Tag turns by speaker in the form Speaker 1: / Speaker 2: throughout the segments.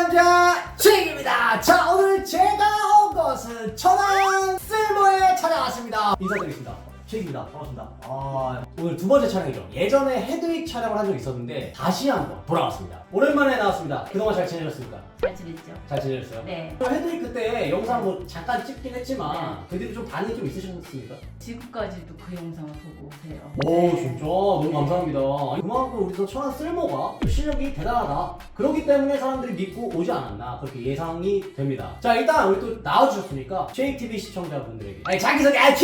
Speaker 1: 남자 잭입니다. 자, 오늘 제가 온 것은 천안 쓸모에 찾아왔습니다. 인사드리겠습니다. 잭입니다. 반갑습니다. 오늘 두 번째 촬영이죠. 예전에 헤드윅 촬영을 한 적이 있었는데 다시 한번 돌아왔습니다. 오랜만에 나왔습니다. 그동안 잘 지내셨습니까?
Speaker 2: 잘 지냈죠?
Speaker 1: 잘 지내셨어요?
Speaker 2: 네.
Speaker 1: 헤드윅 그때 영상 뭐 잠깐 찍긴 했지만 그래도 좀 반응이 좀 있으셨습니까?
Speaker 2: 지금까지도 그 영상을 보고 오세요.
Speaker 1: 오, 진짜 너무 감사합니다. 아니, 그만큼 우리 또 천안 쓸모가 실력이 대단하다. 그렇기 때문에 사람들이 믿고 오지 않았나 그렇게 예상이 됩니다. 자, 일단 우리 또 나와주셨으니까 JTV 시청자분들에게 자기소개 큐!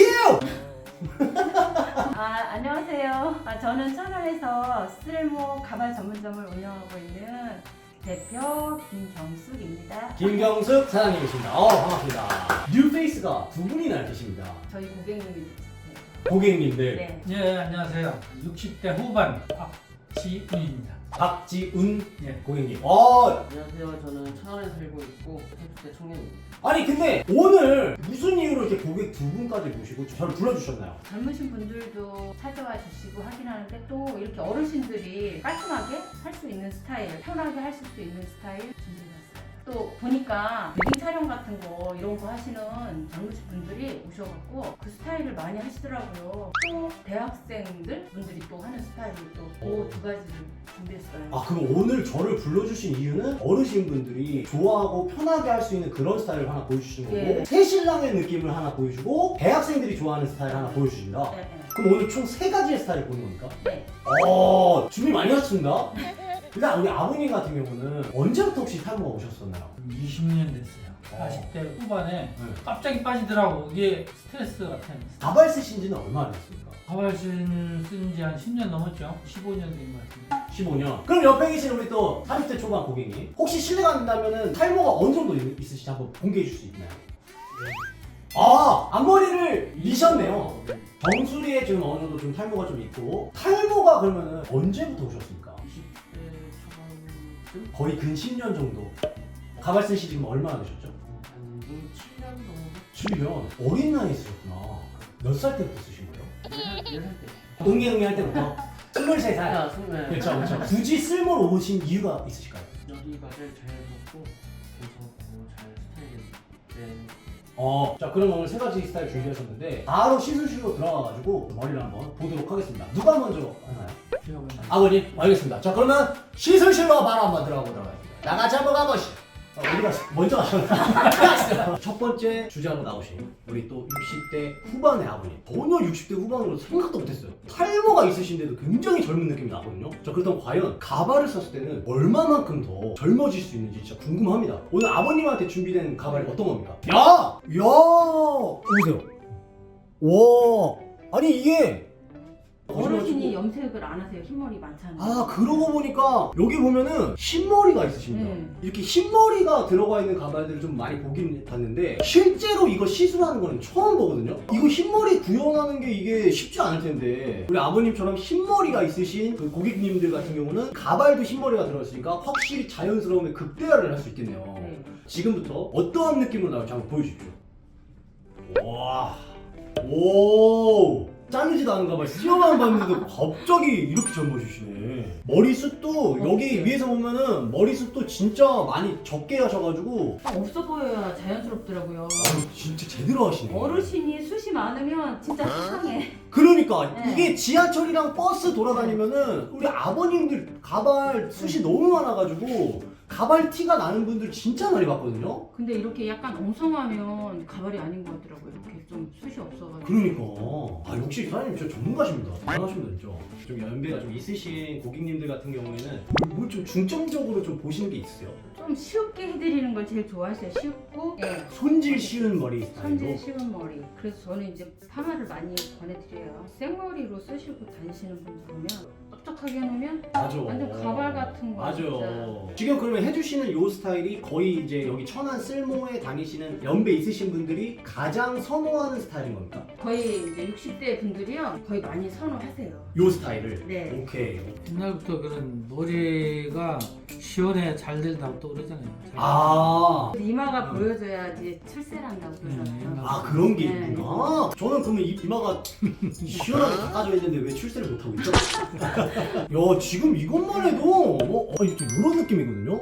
Speaker 2: 안녕하세요. 저는 천안에서 쓸모 가발 전문점을 운영하고 있는 대표 김경숙입니다.
Speaker 1: 김경숙 사장님이십니다. 반갑습니다. 뉴페이스가 두 분이나 계십니다.
Speaker 2: 저희 고객님이 있으세요.
Speaker 1: 고객님들.
Speaker 2: 네.
Speaker 3: 예, 안녕하세요. 60대 후반 박지훈입니다.
Speaker 1: 박지훈
Speaker 3: 예.
Speaker 1: 고객님.
Speaker 4: 안녕하세요. 저는 천안에 살고 있고 30대 청년입니다.
Speaker 1: 아니 근데 오늘 무슨 이유로 이렇게 고객 두 분까지 모시고 저를 불러주셨나요?
Speaker 2: 젊으신 분들도 찾아와 주시고 하긴 하는데 또 이렇게 어르신들이 깔끔하게 할 수 있는 스타일, 편하게 하실 수 있는 스타일 준비해봤어요. 또 보니까 웨딩 촬영 같은 거 이런 거 하시는 젊으신 분들이 오셔갖고 그 스타일을 많이 하시더라고요. 또 대학생들 분들이 또 하는 스타일이 또 그 두 가지를 준비했어요.
Speaker 1: 그럼 오늘 저를 불러주신 이유는 어르신분들이 좋아하고 편하게 할 수 있는 그런 스타일을 하나 보여주시는 거고
Speaker 2: 예.
Speaker 1: 새신랑의 느낌을 하나 보여주고 대학생들이 좋아하는 스타일 하나 보여주신다.
Speaker 2: 네,
Speaker 1: 그럼 오늘 총 세 가지의 스타일을 보는 겁니까?
Speaker 2: 네.
Speaker 1: 준비 많이 하셨습니다. 일단 우리 아버님 같은 경우는 언제부터 혹시 탈모가 오셨었나요?
Speaker 3: 20년 됐어요. 40대 후반에
Speaker 1: 네.
Speaker 3: 갑자기 빠지더라고. 이게 스트레스 같은.
Speaker 1: 가발 쓰신 지는 얼마나 됐습니까?
Speaker 3: 가발신 쓴지 한 10년 넘었죠. 15년 된 것 같은데.
Speaker 1: 15년. 그럼 옆에 계신 우리 또 30대 초반 고객님 혹시 실례가 안 된다면 탈모가 어느 정도 있으신지 한번 공개해 줄 수 있나요? 앞머리를 미셨네요. 정수리에 지금 어느 정도 좀 탈모가 좀 있고 탈모가 그러면은 언제부터 오셨습니까?
Speaker 4: 20대 초반쯤?
Speaker 1: 거의 근 10년 정도. 가발 쓰시 지금 얼마나 되셨죠?
Speaker 4: 한 7년 정도?
Speaker 1: 7년. 어린 나이에 쓰셨구나. 몇 살 때부터 쓰신 거예요?
Speaker 4: 4살 때.
Speaker 1: 응애 할 때부터? 23살.
Speaker 4: 아, 스물.
Speaker 1: 그렇죠, 그렇죠. 굳이 쓸모로 오신 이유가 있으실까요?
Speaker 4: 여기가 제일 자연스럽고 괜찮고 잘 스타일이 된.
Speaker 1: 자, 그럼 오늘 세 가지 스타일 준비하셨는데 바로 시술실로 들어가가지고 머리를 한번 보도록 하겠습니다. 누가 먼저 하나요?
Speaker 3: 제가 먼저.
Speaker 1: 아버님, 알겠습니다. 자, 그러면 시술실로 바로 한번 들어가 보도록 하겠습니다. 나같이 한번 가보시죠. 어디 가세요? 먼저 가셨나요? 첫 번째 주제로 나오신 우리 또 60대 후반의 아버님. 전혀 60대 후반으로 생각도 못했어요. 탈모가 있으신데도 굉장히 젊은 느낌이 나거든요. 자, 그렇다면 과연 가발을 썼을 때는 얼마만큼 더 젊어질 수 있는지 진짜 궁금합니다. 오늘 아버님한테 준비된 가발이 어떤 겁니까? 야! 보세요. 와! 아니 이게
Speaker 2: 어르신이 염색을 안 하세요. 흰머리 많잖아요.
Speaker 1: 그러고 보니까 여기 보면은 흰머리가 있으십니다.
Speaker 2: 네.
Speaker 1: 이렇게 흰머리가 들어가 있는 가발들을 좀 많이 보긴 봤는데 실제로 이거 시술하는 거는 처음 보거든요. 이거 흰머리 구현하는 게 이게 쉽지 않을 텐데 우리 아버님처럼 흰머리가 있으신 그 고객님들 같은 경우는 가발도 흰머리가 들어있으니까 확실히 자연스러움에 극대화를 할 수 있겠네요.
Speaker 2: 네.
Speaker 1: 지금부터 어떠한 느낌으로 나올지 한번 보여주십시오. 와, 오, 자르지도 않은 가발 시험만 봤는데도 갑자기 이렇게 젊어지시네. 머리숱도 여기 위에서 보면은 머리숱도 진짜 많이 적게 하셔가지고
Speaker 2: 없어 보여야 자연스럽더라고요.
Speaker 1: 진짜 제대로 하시네.
Speaker 2: 어르신이 숱이 많으면 진짜 수상해.
Speaker 1: 그러니까
Speaker 2: 네.
Speaker 1: 이게 지하철이랑 버스 돌아다니면은 우리 아버님들 가발 숱이 너무 많아가지고 가발 티가 나는 분들 진짜 많이 봤거든요.
Speaker 2: 근데 이렇게 약간 엉성하면 가발이 아닌 것 같더라고요. 이렇게 좀 숱이 없어가지고.
Speaker 1: 그러니까 역시 사장님 진짜 전문가십니다. 대단하십니다 진짜. 좀 연배가 좀 있으신 고객님들 같은 경우에는 뭘 좀 중점적으로 좀 보시는 게 있으세요?
Speaker 2: 좀 쉽게 해드리는 걸 제일 좋아하세요. 쉽고
Speaker 1: 손질 쉬운 머리 스타일로.
Speaker 2: 손질 쉬운 머리. 그래서 저는 이제 파마를 많이 권해드려요. 생머리로 쓰시고 다니시는 분들 보면 촉촉하게 해놓으면
Speaker 1: 맞아.
Speaker 2: 완전 가발 같은 거.
Speaker 1: 맞아.
Speaker 2: 진짜.
Speaker 1: 지금 그러면 해주시는 요 스타일이 거의 이제 여기 천안 쓸모에 다니시는 연배 있으신 분들이 가장 선호하는 스타일인 겁니까?
Speaker 2: 거의 이제 60대 분들이요 거의 많이 선호하세요.
Speaker 1: 요 스타일을.
Speaker 2: 네.
Speaker 1: 오케이.
Speaker 3: 옛날부터 그런 머리가 시원해 잘 된다고 또 그러잖아요.
Speaker 2: 이마가 보여줘야지 출세한다고 그러잖아요.
Speaker 1: 그런 게
Speaker 2: 네.
Speaker 1: 있구나. 저는 그러면 이마가 시원하게 닦아져 있는데 왜 출세를 못하고 있죠? 야, 지금 이것만 해도 이렇게 이런 느낌이거든요.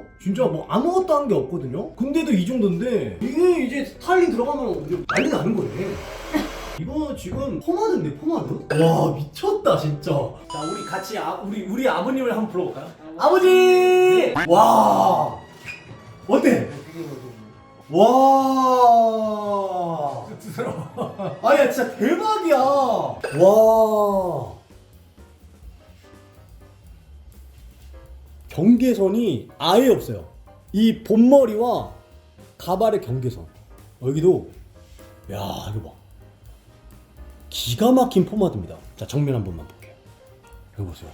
Speaker 1: 진짜 뭐 아무것도 한 게 없거든요? 근데도 이 정도인데 이게 이제 스타일링 들어가면 우리 난리 나는 거네. 이거 지금 포마드인데 포마드? 와 미쳤다 진짜. 자 우리 같이 우리 아버님을 한번 불러볼까요? 아버지! 와 어때? 와 쑥스러워. 아니 진짜 대박이야. 와 경계선이 아예 없어요. 이 본머리와 가발의 경계선. 여기도 야 이거 봐. 기가 막힌 포마드입니다. 자 정면 한 번만 볼게요. 여기 보세요.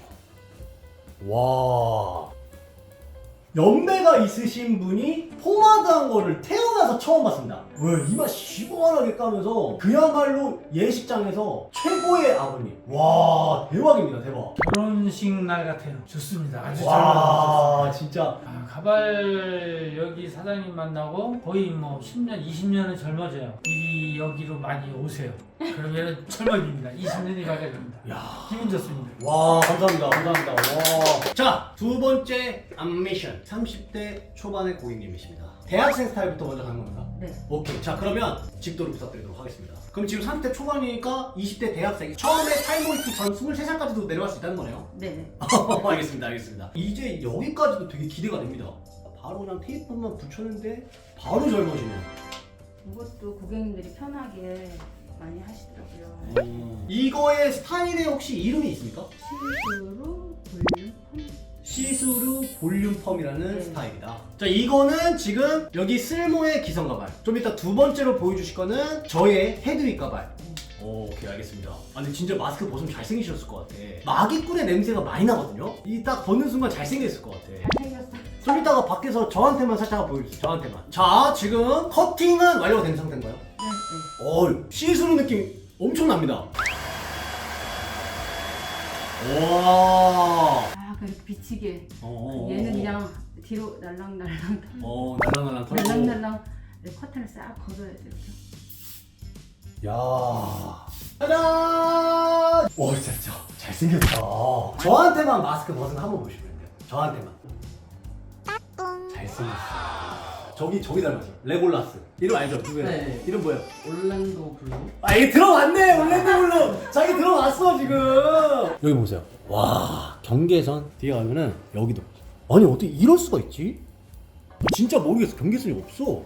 Speaker 1: 와 연배가 있으신 분이 포마드한 거를 태어나서 처음 봤습니다. 왜 이마 시원하게 까면서 그야말로 예식장에서 최고의 아버님. 와 대박입니다 대박.
Speaker 3: 결혼식 날 같아요. 좋습니다. 아주 잘 만들었어요.
Speaker 1: 와 진짜
Speaker 3: 아, 가발 여기 사장님 만나고 거의 뭐 10년, 20년은 젊어져요. 이 여기로 많이 오세요. 그러면 젊어집니다. 20년이 가게 됩니다.
Speaker 1: 야.
Speaker 3: 기분 좋습니다.
Speaker 1: 와 감사합니다 감사합니다. 와. 자 두 번째 안미션 30대 초반의 고객님이십니다. 대학생 스타일부터 먼저 가는 겁니까?
Speaker 2: 네.
Speaker 1: 오케이. 자 그러면 직도를 부탁드리도록 하겠습니다. 그럼 지금 30대 초반이니까 20대 대학생 처음에 탈모 있기 전 23살까지도 내려갈 수 있다는 거네요?
Speaker 2: 네네.
Speaker 1: 알겠습니다 알겠습니다. 이제 여기까지도 되게 기대가 됩니다. 바로 그냥 테이프만 붙였는데 바로 젊어지네요.
Speaker 2: 이것도 고객님들이 편하게 많이 하시더라고요.
Speaker 1: 이거의 스타일에 혹시 이름이 있습니까?
Speaker 2: 시스루 볼륨
Speaker 1: 시스루 볼륨 펌이라는
Speaker 2: 네.
Speaker 1: 스타일이다. 자 이거는 지금 여기 쓸모의 기성 가발. 좀 이따 두 번째로 보여주실 거는 저의 헤드윅 가발. 오케이 알겠습니다. 아 근데 진짜 마스크 벗으면 잘생기셨을 것 같아. 마기꾼의 냄새가 많이 나거든요. 이 딱 벗는 순간 잘생겼을 것 같아.
Speaker 2: 잘생겼어.
Speaker 1: 좀 이따가 밖에서 저한테만 살짝 보여주세요. 저한테만. 자 지금 커팅은 완료가 된 상태인가요?
Speaker 2: 네, 네.
Speaker 1: 시스루 느낌 엄청납니다. 와.
Speaker 2: 아, 그렇게 비치게.
Speaker 1: 어.
Speaker 2: 얘는 그냥 뒤로 날랑날랑
Speaker 1: 날랑날랑 털고.
Speaker 2: 날랑날랑 네, 커튼을 싹 걷어야 돼 이렇게.
Speaker 1: 야. 짜잔! 와 진짜 잘생겼다. 저한테만 마스크 벗은 거 한번 보시면 돼요. 저한테만. 잘생겼어. 저기 닮았어. 레골라스. 이름 알죠? 누구예요?
Speaker 4: 네.
Speaker 1: 이름 뭐예요?
Speaker 4: 올랜도 블루.
Speaker 1: 아 이게 들어왔네. 올랜도 블루. 자기 들어왔어 지금. 여기 보세요. 와 경계선 뒤에 가면은 여기도. 아니 어떻게 이럴 수가 있지? 진짜 모르겠어. 경계선이 없어.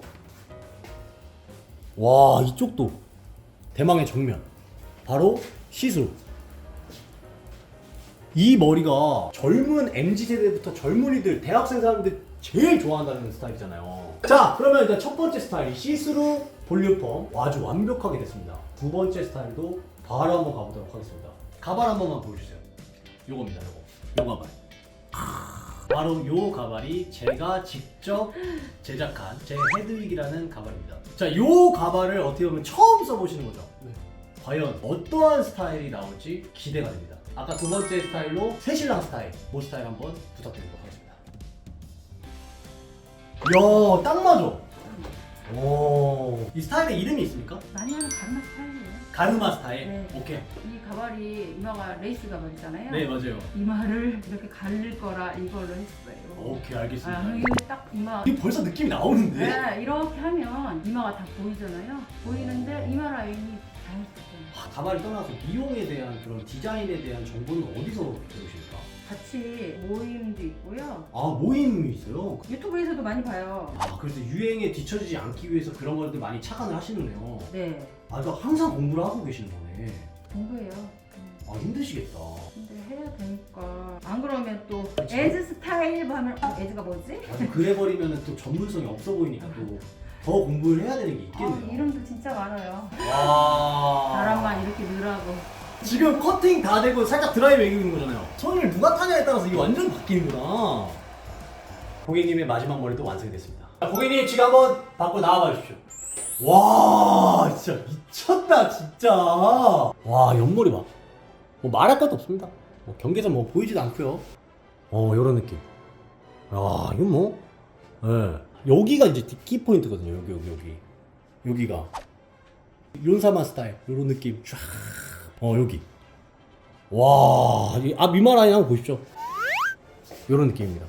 Speaker 1: 와 이쪽도 대망의 정면. 바로 시스루. 이 머리가 젊은 MZ세대부터 젊은이들, 대학생 사람들 제일 좋아한다는 스타일이잖아요. 자, 그러면 일단 첫 번째 스타일이 시스루 볼륨펌 아주 완벽하게 됐습니다. 두 번째 스타일도 바로 한번 가보도록 하겠습니다. 가발 한 번만 보여주세요. 요겁니다, 요거. 요 가발. 바로 요 가발이 제가 직접 제작한 제 헤드윅이라는 가발입니다. 자, 요 가발을 어떻게 보면 처음 써보시는 거죠?
Speaker 4: 네.
Speaker 1: 과연 어떠한 스타일이 나올지 기대가 됩니다. 아까 두 번째 스타일로 새신랑 스타일, 모 스타일 한번 부탁드리도록 하겠습니다. 이야, 딱 맞아. 오, 이 스타일의 이름이 있습니까?
Speaker 2: 많이 하는 가르마 스타일이에요.
Speaker 1: 가르마 스타일.
Speaker 2: 네.
Speaker 1: 오케이.
Speaker 2: 이 가발이 이마가 레이스 가발이잖아요.
Speaker 1: 네, 맞아요.
Speaker 2: 이마를 이렇게 가릴 거라 이걸로 했어요.
Speaker 1: 오케이, 알겠습니다.
Speaker 2: 아, 이게 딱 이마.
Speaker 1: 이게 벌써 느낌이 나오는데?
Speaker 2: 네, 이렇게 하면 이마가 다 보이잖아요. 보이는데 이마 라인이 자연스럽잖아요.
Speaker 1: 아, 가발을 떠나서 미용에 대한 그런 디자인에 대한 정보는 어디서 배우십니까?
Speaker 2: 같이 모임도 있고요.
Speaker 1: 아, 모임이 있어요?
Speaker 2: 유튜브에서도 많이 봐요.
Speaker 1: 아, 그래서 유행에 뒤처지지 않기 위해서 그런 것들 많이 착안을 하시는데요.
Speaker 2: 네,
Speaker 1: 아, 그러니까 항상 공부를 하고 계시는 거네.
Speaker 2: 공부해요.
Speaker 1: 아, 힘드시겠다.
Speaker 2: 근데 해야 되니까 안 그러면 또
Speaker 1: 그쵸.
Speaker 2: 에즈 스타일 하면 에즈가 뭐지?
Speaker 1: 아, 그래버리면 또 전문성이 없어 보이니까 또 더 공부를 해야 되는 게
Speaker 2: 아,
Speaker 1: 있겠네요.
Speaker 2: 이름도 진짜 많아요.
Speaker 1: 와.
Speaker 2: 바람만 이렇게 늘하고.
Speaker 1: 지금 커팅 다 되고 살짝 드라이 매기는 거잖아요. 손을 누가 타냐에 따라서 이게 완전 바뀌는구나. 고객님의 마지막 머리도 완성이 됐습니다. 자, 고객님 지금 한번 밖으로 나와봐 주십시오. 와, 진짜 미쳤다, 진짜. 와, 옆머리 봐. 뭐 말할 것도 없습니다. 뭐 경계선 뭐 보이지도 않고요. 요런 느낌. 야, 이건 뭐, 예. 여기가 이제 키 포인트거든요. 여기가. 윤사마 스타일, 요런 느낌. 쫙. 여기. 와, 앞 이마 라인 한번 보십시오. 요런 느낌입니다.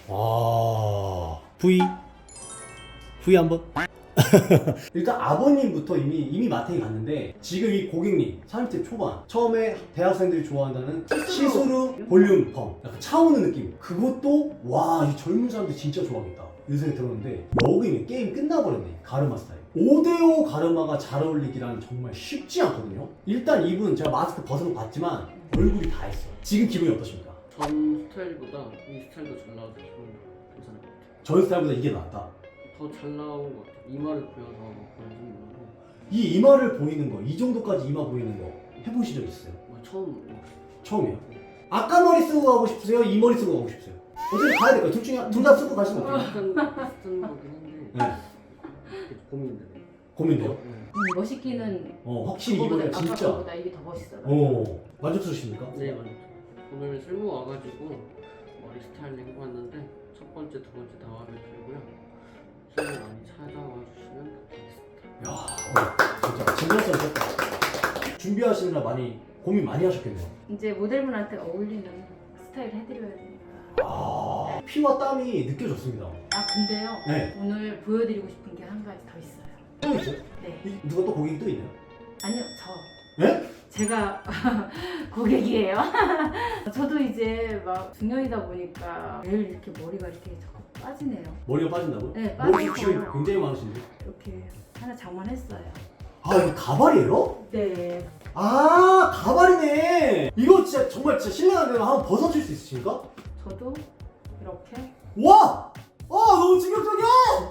Speaker 1: V 한번. 일단 아버님부터 이미 마탱이 갔는데 지금 이 고객님 30대 초반 처음에 대학생들이 좋아한다는 시스루 볼륨 펌 약간 차오는 느낌 그것도 와 이 젊은 사람들 진짜 좋아하겠다 이런 생각이 들었는데 여기는 게임 끝나버렸네. 가르마 스타일 5대5 가르마가 잘 어울리기란 정말 쉽지 않거든요. 일단 이분 제가 마스크 벗어놓고 봤지만 얼굴이 다 했어. 지금 기분이 어떠십니까?
Speaker 4: 전 스타일보다 이 스타일도 잘 나와서 기분 괜찮은 것 같아요.
Speaker 1: 전 스타일보다 이게 낫다.
Speaker 4: 더 잘 나온 것 같아요. 이마를 보여서 그런지 몰라도
Speaker 1: 이 이마를 보이는 거, 이 정도까지 이마 보이는 거 해보신 적 있어요?
Speaker 4: 처음
Speaker 1: 처음이에요? 아까 머리 쓰고 가고 싶으세요? 이 머리 쓰고 가고 싶으세요? 어차피 가야 될까요? 둘 다 쓰고 가시면 어때요?
Speaker 4: 비슷한 거긴 한데
Speaker 1: 네.
Speaker 4: 고민되네.
Speaker 1: 고민돼요?
Speaker 4: 네.
Speaker 2: 멋있기는
Speaker 1: 확실히
Speaker 2: 그거보다
Speaker 1: 이번에 진짜
Speaker 2: 아까보다 이게 더 멋있어요.
Speaker 1: 만족스러우십니까?
Speaker 4: 네 맞아요. 오늘 쓸모 와가지고 머리 스타일링 해봤는데 첫 번째, 두 번째 다 마음에 들고요. 쓸모 많이 찾아와 주시면 좋겠습니다.
Speaker 1: 야, 진짜 진정성 준비하시느라 많이 고민 많이 하셨겠네요.
Speaker 2: 이제 모델분한테 어울리는 스타일 해드려야 되니까.
Speaker 1: 피와 땀이 느껴졌습니다.
Speaker 2: 아 근데요.
Speaker 1: 네.
Speaker 2: 오늘 보여드리고 싶은 게 한 가지 더 있어요.
Speaker 1: 또 있어요?
Speaker 2: 네.
Speaker 1: 누가 또 고객이 또 있나요?
Speaker 2: 아니요, 저.
Speaker 1: 네?
Speaker 2: 제가 고객이에요. 저도 이제 막 중년이다 보니까 매일 이렇게 머리가 이렇게 자꾸 빠지네요.
Speaker 1: 머리가 빠진다고요?
Speaker 2: 네,
Speaker 1: 머리
Speaker 2: 빠지고
Speaker 1: 숱이 굉장히 많으신데.
Speaker 2: 이렇게 하나 장만했어요.
Speaker 1: 아 이거 가발이에요?
Speaker 2: 네.
Speaker 1: 아 가발이네. 이거 진짜 정말 진짜 실례하면 한번 벗어줄 수 있으십니까?
Speaker 2: 저도 이렇게
Speaker 1: 와! 너무 충격적이야!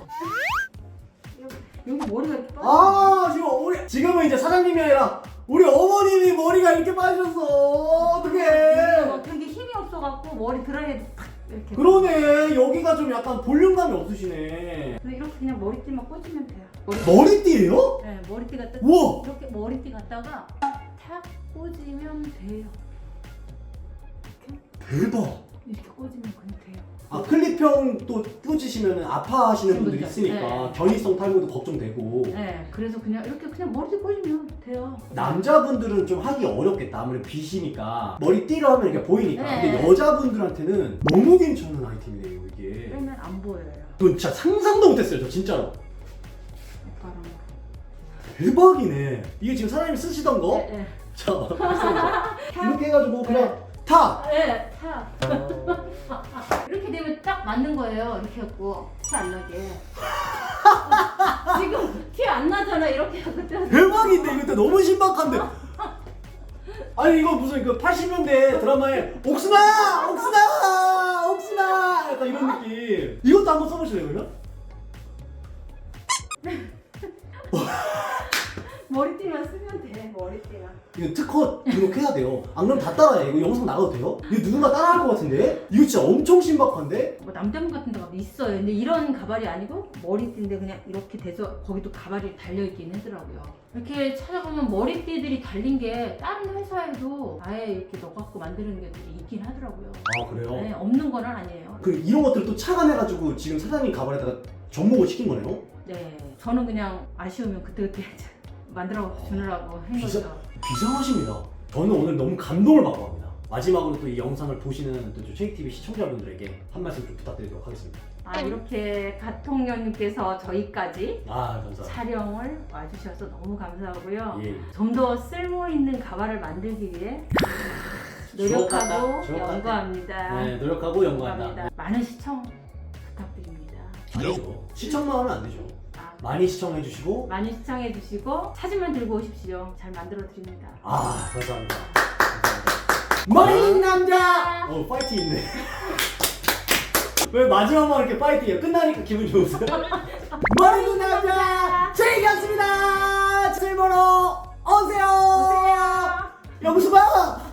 Speaker 2: 여기 머리가 이렇게 빠져.
Speaker 1: 지금은 이제 사장님이 아니라 우리 어머님이 머리가 이렇게 빠졌어. 어떡해.
Speaker 2: 되게 힘이 없어갖고 머리 드라이해도 탁 이렇게.
Speaker 1: 그러네. 여기가 좀 약간 볼륨감이 없으시네.
Speaker 2: 근데 이렇게 그냥 머리띠만 꽂으면 돼요.
Speaker 1: 머리띠예요?
Speaker 2: 네, 머리띠 갖다
Speaker 1: 우와!
Speaker 2: 이렇게 머리띠 갖다가 탁 꽂으면 돼요.
Speaker 1: 대박.
Speaker 2: 이렇게 꽂으면 그냥 돼요.
Speaker 1: 클립형 또 꽂으시면 아파하시는 분들이 있으니까
Speaker 2: 네.
Speaker 1: 견이성 탈모도 걱정되고.
Speaker 2: 네, 그래서 그냥 이렇게 그냥 머리띠 꽂으면 돼요.
Speaker 1: 남자분들은 좀 하기 어렵겠다. 아무래도 빗이니까 머리띠로 하면 이렇게 보이니까.
Speaker 2: 네.
Speaker 1: 근데 여자분들한테는 너무 괜찮은 아이템이네요 이게.
Speaker 2: 빼면 안 보여요.
Speaker 1: 저 진짜 상상도 못했어요 저 진짜로.
Speaker 2: 오빠랑.
Speaker 1: 대박이네. 이게 지금 사장님이 쓰시던 거?
Speaker 2: 네, 네.
Speaker 1: 자 이렇게 해가지고 그냥 타!
Speaker 2: 네, 타. 이렇게 되면 딱 맞는 거예요. 이렇게 해갖고 티 안 나게. 지금 티 안 나잖아. 이렇게 하고
Speaker 1: 대박인데 이거 너무 신박한데. 아니 이거 무슨 그 80년대 드라마에 옥순아! 옥순아! 옥순아! 약간 이런 느낌. 이것도 한번 써보실래요 그러면?
Speaker 2: 머리띠만 쓰면 돼. 머리띠만.
Speaker 1: 이거 특허 등록해야 돼요. 안 그러면 다 따라해. 이거 영상 나가도 돼요? 이거 누군가 따라할 것 같은데? 이거 진짜 엄청 신박한데?
Speaker 2: 뭐 남대문 같은 데가 있어요. 근데 이런 가발이 아니고 머리띠인데 그냥 이렇게 돼서 거기도 가발이 달려있긴 하더라고요. 이렇게 찾아보면 머리띠들이 달린 게 다른 회사에도 아예 이렇게 넣어갖고 만드는 게 있긴 하더라고요.
Speaker 1: 아 그래요?
Speaker 2: 네, 없는 건 아니에요.
Speaker 1: 그 이런 것들을 또 착안해가지고 지금 사장님 가발에다가 접목을 시킨 거네요?
Speaker 2: 네, 저는 그냥 아쉬우면 그때그때 만들어 주느라고 한 거죠.
Speaker 1: 비상하십니다. 저는 오늘 너무 감동을 받고 갑니다. 마지막으로 또 이 영상을 보시는 또 체이TV 시청자분들에게 한 말씀 좀 부탁드리도록 하겠습니다.
Speaker 2: 이렇게 가통령님께서 저희까지
Speaker 1: 감사합니다.
Speaker 2: 촬영을 와주셔서 너무 감사하고요.
Speaker 1: 예.
Speaker 2: 좀 더 쓸모 있는 가발을 만들기 위해 노력하고
Speaker 1: 주옥같다.
Speaker 2: 연구합니다.
Speaker 1: 네, 노력하고 연구한다.
Speaker 2: 연구합니다. 많은 시청 부탁드립니다.
Speaker 1: 아니죠. 시청만 하면 안 되죠. 많이 시청해주시고.
Speaker 2: 많이 시청해주시고 사진만 들고 오십시오. 잘 만들어 드립니다.
Speaker 1: 감사합니다. 머리 남자! 파이팅 있네. 왜 마지막만 이렇게 파이팅이에요? 끝나니까 기분 좋으세요? 머리 남자! 즐겼습니다! 즐보러 오세요!
Speaker 2: 오세요.
Speaker 1: 영수봐!